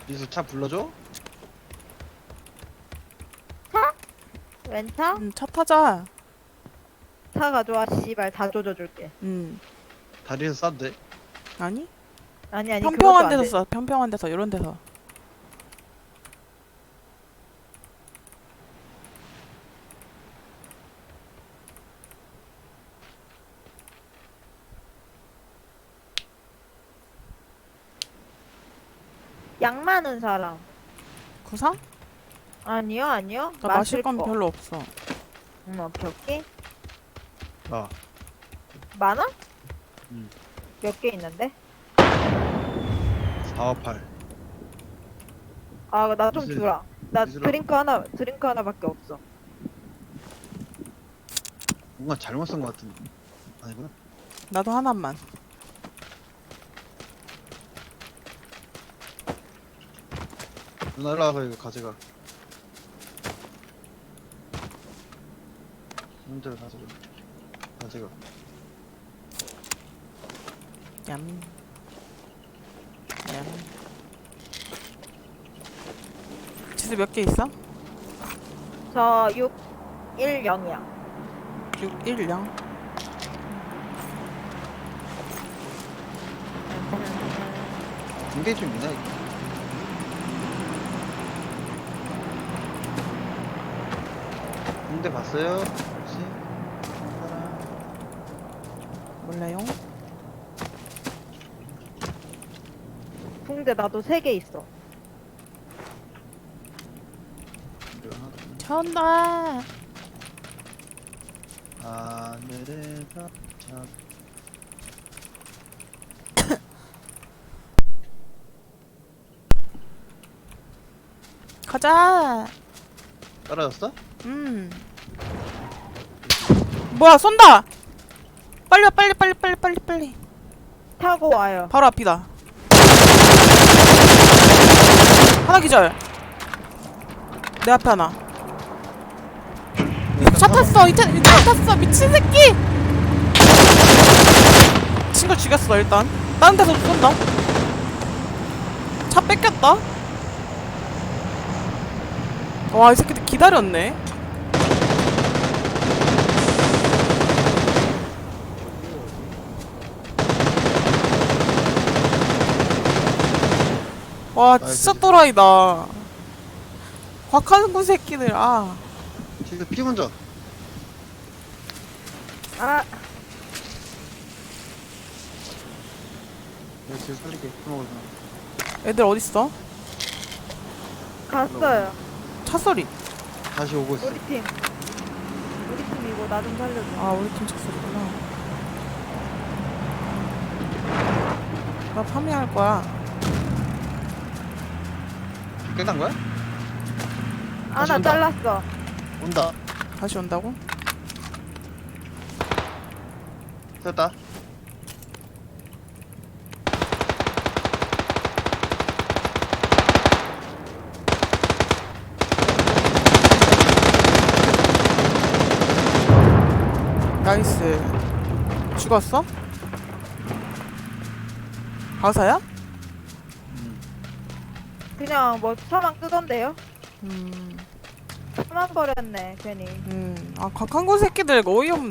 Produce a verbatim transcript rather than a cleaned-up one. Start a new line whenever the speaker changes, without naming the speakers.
여기서 차 불러줘?
차? 렌차?
음, 차 타자.
차 가져와 씨발 다 조져줄게.
음.
다리에서 싼데?
아니?
아니 아니
평평한
그것도 안
데서
돼.
써. 평평한 데서 이런 데서.
약 많은 사람.
구상?
아니요 아니요.
나 마실 건
거.
별로 없어.
응 오케이 오케이.
아,
많아?
음.
몇 개 있는데?
사, 팔.
아 나 좀
이슬,
주라. 나
이슬아.
드링크 하나 드링크 하나밖에 없어.
뭔가 잘못 쓴 것 같은데. 아니구나.
나도 하나만.
누나 일로 와서 이거 가져가. 혼자를 가져가. 가져가.
얌. 얌. 지수 몇 개 있어?
저 육, 일, 영이야.
육, 일, 영.
굉장히 좀 있나, 이거? 군대 봤어요? 혹시? 사람?
몰라요?
붕대 나도 세 개 있어.
군대 하나.
차 온다.
하늘에서 자
가자.
떨어졌어?
음. 뭐야, 쏜다. 빨리 와, 빨리 빨리 빨리 빨리 빨리.
타고 와요.
바로 앞이다. 하나 기절. 내 앞에 하나. 차 탔어. 이 차, 이 차 탔어. 미친 새끼. 친구 죽였어 일단. 다른 데서 쏜다. 차 뺏겼다. 와, 이 새끼들 기다렸네. 와, 진짜 또라이다. 곽한구 새끼들. 아,
지금 피 먼저.
아
내가 지금 살릴게. 피 먹을 사람.
애들 어딨어?
갔어요.
차 소리.
다시 오고 있어.
우리 팀. 우리 팀이고 나 좀 살려줘.
아, 우리 팀 차 소리구나. 나 파밍할 거야.
끝난 거야?
아
다시
나
온다.
잘랐어.
온다.
다시 온다고?
됐다.
나이스. 죽었어? 바사야?
음.
그냥 뭐 차만 끄던데요?
음,
차만 버렸네 괜히.
음. 아, 곽한구 새끼들 어이없네.